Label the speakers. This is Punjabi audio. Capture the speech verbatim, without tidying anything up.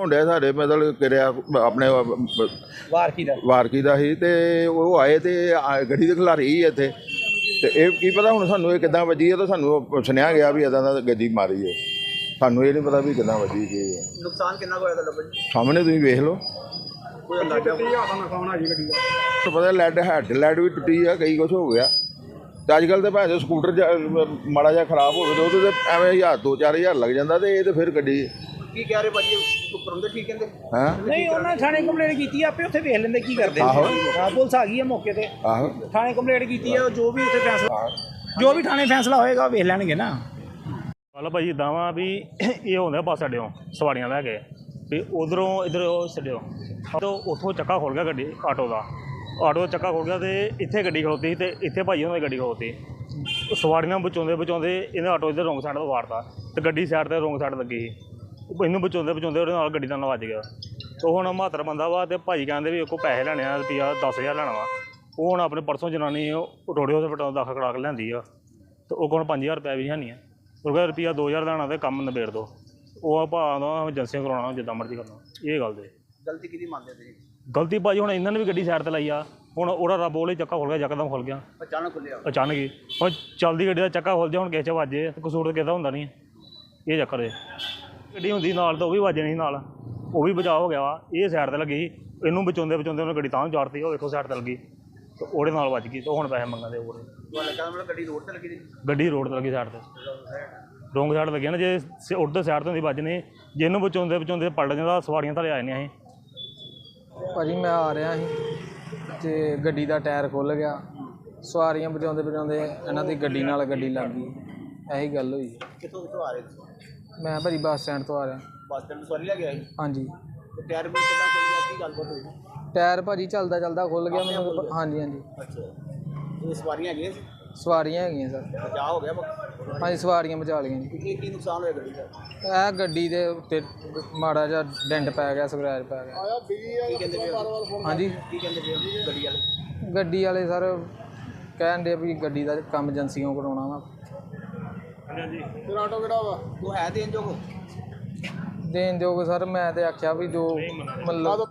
Speaker 1: ਹੋਣ ਡਿਆ ਸਾਡੇ ਮਤਲਬ ਕਿਰਿਆ ਆਪਣੇ
Speaker 2: ਵਾਰਕੀ ਦਾ
Speaker 1: ਵਾਰਕੀ ਦਾ ਸੀ ਤੇ ਉਹ ਆਏ ਤੇ ਆ- ਗੱਡੀ ਦੇ ਖਿਲਾਰੀ ਸੀ ਇੱਥੇ ਤੇ ਇਹ ਕੀ ਪਤਾ ਹੁਣ ਸਾਨੂੰ ਇਹ ਕਿੱਦਾਂ ਵੱਜੀ ਹੈ ਤਾਂ ਸਾਨੂੰ ਸੁਣਿਆ ਗਿਆ ਵੀ ਇੱਦਾਂ ਦਾ ਗੱਡੀ ਮਾਰੀ ਹੈ। ਸਾਨੂੰ ਇਹ ਨਹੀਂ ਪਤਾ ਵੀ ਕਿੱਦਾਂ ਵੱਜੀ ਕੀ ਹੈ।
Speaker 2: ਨੁਕਸਾਨ ਕਿੰਨਾ ਹੋਇਆ ਤੁਹਾਡਾ ਭਾਜੀ?
Speaker 1: ਸਾਹਮਣੇ ਤੁਸੀਂ ਵੇਖ ਲਓ।
Speaker 2: ਕੋਈ ਅੰਦਾਜ਼ਾ ਨੁਕਸਾਨ ਆ ਜੀ ਗੱਡੀ ਦਾ?
Speaker 1: ਤਾਂ ਪਤਾ ਲੈਡ ਹੈਡ ਲੈਡ ਵੀ ਟੁੱਟੀ ਆ, ਕਈ ਕੁਛ ਹੋ ਗਿਆ। ਤੇ ਅੱਜ ਕੱਲ੍ਹ ਤਾਂ ਭਾਵੇਂ ਸਕੂਟਰ ਜਾ- ਮਾੜਾ ਜਿਹਾ ਖਰਾਬ ਹੋਵੇ ਤਾਂ ਉਹਦੇ ਤੇ ਐਵੇਂ ਹਜ਼ਾਰ ਦੋ ਚਾਰ ਹਜ਼ਾਰ ਲੱਗ ਜਾਂਦਾ ਤੇ ਇਹ ਤਾਂ ਫਿਰ ਗੱਡੀ
Speaker 2: ਕੀ ਕਹਿ ਰਹੇ ਭਾਜੀ ਉੱਪਰ ਹੁੰਦੇ ਠੀਕ ਕਹਿੰਦੇ?
Speaker 1: ਹੈਂ
Speaker 3: ਨਹੀਂ ਉਹਨਾਂ ਥਾਣੇ ਕੰਪਲੇਂਟ ਕੀਤੀ ਆ, ਆਪੇ ਉੱਥੇ ਵੇਖ ਲੈਂਦੇ ਕੀ ਕਰਦੇ
Speaker 1: ਆਹੋ।
Speaker 3: ਹਾਂ, ਪੁਲਿਸ ਆ ਗਈ ਹੈ ਮੌਕੇ ਤੇ,
Speaker 1: ਆਹੋ
Speaker 3: ਥਾਣੇ ਕੰਪਲੇਂਟ ਕੀਤੀ ਆ, ਜੋ ਵੀ ਉੱਥੇ ਫੈਸਲਾ ਜੋ ਵੀ ਥਾਣੇ ਫੈਸਲਾ ਹੋਏਗਾ ਉਹ ਵੇਖ ਲੈਣਗੇ ਨਾ।
Speaker 4: ਕੱਲ੍ਹ ਭਾਜੀ ਇੱਦਾਂ ਵਾ ਵੀ ਇਹ ਹੁੰਦਾ ਬੱਸ ਅੱਡਿਓਂ ਸਵਾਰੀਆਂ ਲੈ ਕੇ ਵੀ ਉਧਰੋਂ ਇੱਧਰ ਉਹ ਛੱਡਿਓ ਤਾਂ ਉੱਥੋਂ ਚੱਕਾ ਖੁੱਲ ਗਿਆ ਗੱਡੀ ਆਟੋ ਦਾ ਆਟੋ ਦਾ ਚੱਕਾ ਖੁੱਲ ਗਿਆ ਅਤੇ ਇੱਥੇ ਗੱਡੀ ਖਲੋਤੀ ਸੀ ਅਤੇ ਇੱਥੇ ਭਾਜੀ ਉਹਨਾਂ ਦੀ ਗੱਡੀ ਖਲੋਤੀ ਸਵਾਰੀਆਂ ਬਚਾਉਂਦੇ ਬਚਾਉਂਦੇ ਇਹਨੇ ਆਟੋ ਇੱਧਰ ਰੋਂਗ ਸਾਈਡ ਤੋਂ ਵਾਰਤਾ ਅਤੇ ਗੱਡੀ ਸਾਈਡ 'ਤੇ ਰੋਂਗ ਸਾਈਡ ਲੱਗੀ ਸੀ। ਇਹਨੂੰ ਬਚਾਉਂਦੇ ਬਚਾਉਂਦੇ ਉਹਦੇ ਨਾਲ ਗੱਡੀ ਦਾ ਨਾਲ ਵੱਜ ਗਿਆ। ਉਹ ਹੁਣ ਮਹੱਤਰ ਬੰਦਾ ਵਾ ਅਤੇ ਭਾਜੀ ਕਹਿੰਦੇ ਵੀ ਕੋਲ ਪੈਸੇ ਲੈਣੇ ਆ ਰੁਪਈਆ ਦਸ ਹਜ਼ਾਰ ਲੈਣਾ ਵਾ। ਉਹ ਹੁਣ ਆਪਣੇ ਪਰਸੋਂ ਜਨਾਨੀ ਰੋੜੇ ਹਸਪਤਾਲ ਦਾਖਲ ਕਰਾ ਕੇ ਲਿਆਂਦੀ ਆ ਅਤੇ ਉਹ ਕੋਲ ਪੰਜ ਹਜ਼ਾਰ ਰੁਪਇਆ ਵੀ ਹੈ ਨਹੀਂ ਆ। ਉਹ ਕਹਿੰਦਾ ਰੁਪਈਆ ਦੋ ਹਜ਼ਾਰ ਲੈਣਾ ਅਤੇ ਕੰਮ ਨਿਬੇੜ ਦਿਓ। ਉਹ ਭਾਅ ਦਾ ਏਜੰਸੀਆਂ ਕਰਾਉਣਾ ਜਿੱਦਾਂ ਮਰਜ਼ੀ ਕਰਨਾ। ਇਹ ਗੱਲ ਦੇ
Speaker 2: ਗਲਤੀ ਕਿਹਦੀ ਮੰਨਦੇ ਤੁਸੀਂ?
Speaker 4: ਗਲਤੀ ਭਾਜੀ ਹੁਣ ਇਹਨਾਂ ਨੇ ਵੀ ਗੱਡੀ ਸਾਈਡ 'ਤੇ ਲਾਈ ਆ। ਹੁਣ ਉਹਦਾ ਰੱਬ ਉਹਲੇ ਚੱਕਾ ਖੁੱਲ ਗਿਆ, ਯਕਦਮ ਖੁੱਲ ਗਿਆ
Speaker 2: ਅਚਾਨਕ ਖੁੱਲਿਆ
Speaker 4: ਅਚਾਨਕ ਹੀ। ਹੁਣ ਚੱਲਦੀ ਗੱਡੀ ਦਾ ਚੱਕਾ ਖੁੱਲ ਜਾ ਹੁਣ ਕਿਸੇ 'ਚ ਵੱਜੇ ਅਤੇ ਕਸੂਰ ਤਾਂ ਕਿਸੇ ਦਾ ਹੁੰਦਾ ਨਹੀਂ। ਇਹ ਚੱਕਰ ਹੈ ਗੱਡੀ ਹੁੰਦੀ ਨਾਲ ਤਾਂ ਉਹ ਵੀ ਵੱਜਣੀ ਸੀ ਨਾਲ, ਉਹ ਵੀ ਬਚਾਅ ਹੋ ਗਿਆ ਵਾ। ਇਹ ਸਾਈਡ 'ਤੇ ਲੱਗੀ ਇਹਨੂੰ ਬਚਾਉਂਦੇ ਬਚਾਉਂਦੇ ਉਹਨੇ ਗੱਡੀ ਤਾਂ ਚਾੜਤੀ। ਉਹ ਵੇਖੋ ਸਾਈਡ 'ਤੇ ਲੱਗੀ ਅਤੇ ਉਹਦੇ ਨਾਲ ਵੱਜ ਗਈ ਅਤੇ ਹੁਣ ਪੈਸੇ ਮੰਗਦੇ ਹੋਰ।
Speaker 2: ਮਤਲਬ ਗੱਡੀ ਰੋਡ ਤੇ ਲੱਗੀ ਸੀ?
Speaker 4: ਗੱਡੀ ਰੋਡ 'ਤੇ ਲੱਗੀ ਸਾਈਡ 'ਤੇ ਰੋਂਗ ਸਾਈਡ ਲੱਗੀ ਨਾ। ਜੇ ਉੱਧਰ ਸਾਈਡ ਤੋਂ ਹੁੰਦੀ ਵੱਜਣੀ ਜੇ ਇਹਨੂੰ ਬਚਾਉਂਦੇ ਬਚਾਉਂਦੇ ਪਲਟ ਜਾਂਦਾ ਸਵਾਰੀਆਂ ਥੱਲੇ ਆ ਜਾਂਦੀਆਂ ਸੀ।
Speaker 5: ਭਾਜੀ ਮੈਂ ਆ ਰਿਹਾ ਸੀ ਅਤੇ ਗੱਡੀ ਦਾ ਟਾਇਰ ਖੁੱਲ੍ਹ ਗਿਆ, ਸਵਾਰੀਆਂ ਬਚਾਉਂਦੇ ਬਚਾਉਂਦੇ ਇਹਨਾਂ ਦੀ ਗੱਡੀ ਨਾਲ ਗੱਡੀ ਲੱਗ ਗਈ। ਇਹੀ ਗੱਲ ਹੋਈ।
Speaker 2: ਕਿੱਥੋਂ ਕਿੱਥੋਂ ਆ ਰਹੇ ਤੁਸੀਂ?
Speaker 5: ਮੈਂ ਭਾਜੀ ਬੱਸ ਸਟੈਂਡ ਤੋਂ ਆ ਰਿਹਾ।
Speaker 2: ਬੱਸ ਸਟੈਂਡ ਸਵਾਰੀ ਲੈ ਕੇ ਆਏ?
Speaker 5: ਹਾਂਜੀ।
Speaker 2: ਤੇ ਟਾਇਰ ਵੀ ਕਿੱਦਾਂ ਖੁੱਲ ਗਿਆ? ਕੀ ਗੱਲਬਾਤ ਹੋਈ?
Speaker 5: ਟਾਇਰ ਭਾਜੀ ਚੱਲਦਾ ਚੱਲਦਾ ਖੁੱਲ੍ਹ ਗਿਆ ਮੈਨੂੰ। ਹਾਂਜੀ ਹਾਂਜੀ।
Speaker 2: ਅੱਛਾ ਇਹ ਸਵਾਰੀਆਂ ਹੈਗੀਆਂ ਸੀ?
Speaker 5: ਸਵਾਰੀਆਂ ਹੈਗੀਆਂ ਸਰ।
Speaker 2: ਬਚਾਅ ਹੋ ਗਿਆ?
Speaker 5: ਹਾਂਜੀ ਸਵਾਰੀਆਂ ਬਚਾ ਲਈਆਂ ਜੀ।
Speaker 2: ਇਹ ਕੀ ਨੁਕਸਾਨ ਹੋਇਆ ਗੱਡੀ ਦਾ?
Speaker 5: ਇਹ ਗੱਡੀ ਦੇ ਉੱਤੇ ਮਾੜਾ ਜਿਹਾ ਡੈਂਟ ਪੈ ਗਿਆ, ਸਕਰੈਚ ਪੈ ਗਿਆ।
Speaker 2: ਕੀ ਕਹਿੰਦੇ ਪਏ ਹੋ?
Speaker 5: ਹਾਂਜੀ
Speaker 2: ਕੀ ਕਹਿੰਦੇ ਪਏ ਹੋ ਗੱਡੀ ਵਾਲੇ?
Speaker 5: ਗੱਡੀ ਵਾਲੇ ਸਰ ਕਹਿਣ ਦੇ ਵੀ ਗੱਡੀ ਦਾ ਕੰਮ ਏਜੰਸੀਆਂ ਕਰਾਉਣਾ ਵਾ।
Speaker 4: ਹਾਂਜੀ
Speaker 2: ਫਿਰ ਆਟੋ ਕਿਹੜਾ ਵਾ? ਉਹ ਹੈ ਦੇਣ ਜੋਗ?
Speaker 5: ਦੇਣ ਜੋਗ ਸਰ ਮੈਂ ਤੇ ਆਖਿਆ ਵੀ ਜੋ ਮਤਲਬ